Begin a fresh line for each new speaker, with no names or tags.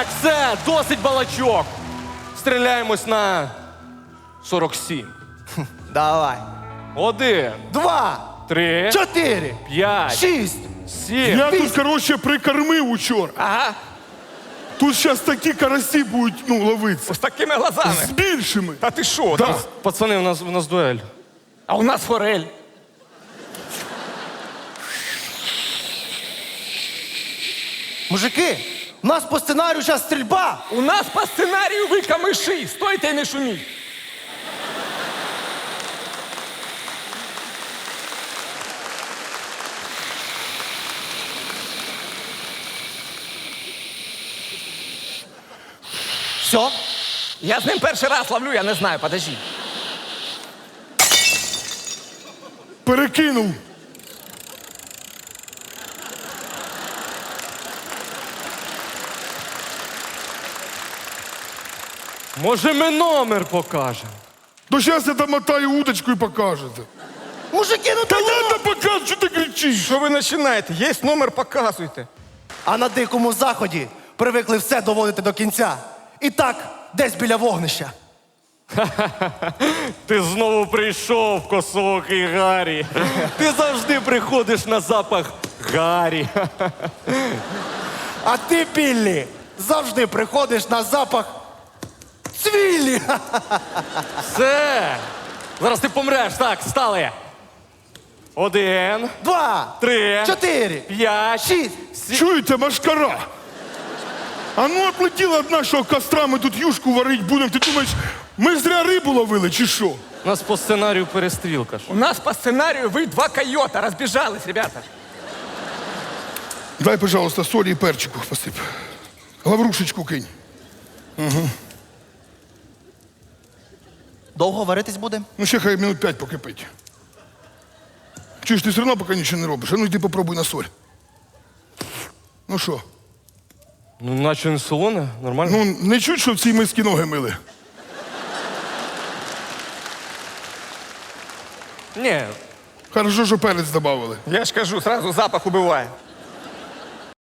Так, все, досить балачок. Стріляємось на 47.
Давай.
1,
2,
3,
4,
5,
6.
7.
Я тут, коротше, прикормив учора.
Ага,
Тут зараз такі карасі будуть, ловитися.
з такими глазами.
З більшими.
Та ти що?
Да.
там?
Пацани, у нас дуель.
А у нас форель.
Мужики, у нас по сценарію зараз стрільба.
У нас по сценарію ви камиші. Стойте і не шуміть.
Все.
Я з ним перший раз ловлю, я не знаю, подожди.
Перекинув.
Може, ми номер покажемо?
То зараз я домотаю удочку і покажете.
Мужики, ну
Та
та
ладно, покажу, що ти кричиш.
Що ви починаєте? Є номер, показуйте.
А на дикому заході привикли все доводити до кінця. І так, десь біля вогнища.
Ти знову прийшов, косоокий Гаррі. Ти завжди приходиш на запах Гаррі.
А ти, Біллі, завжди приходиш на запах цвіллі.
Все. Зараз ти помреш. Так, стали. 1,
2,
3,
4,
5,
6.
Чуєте, машкара? А ну отлетіла од нашого костра, ми тут юшку варить будемо. Ти думаєш, ми зря рибу ловили чи що?
У нас по сценарію перестрілка ж.
У нас по сценарію ви два койота. Розбіжались, ребята.
Дай, пожалуйста, солі і перчику посип. Лаврушечку кинь.
Довго варитись буде?
Ну, ще хай минут 5 покипить. Чуєш, ти все одно поки нічого не робиш. А ну йди попробуй на соль. Ну що?
Ну, наче не солоне, нормально.
Ну, не чуть, що в цій мисці ноги мили.
Ні,
Хорошо, що перець додавали.
Я ж кажу, сразу запах убиває.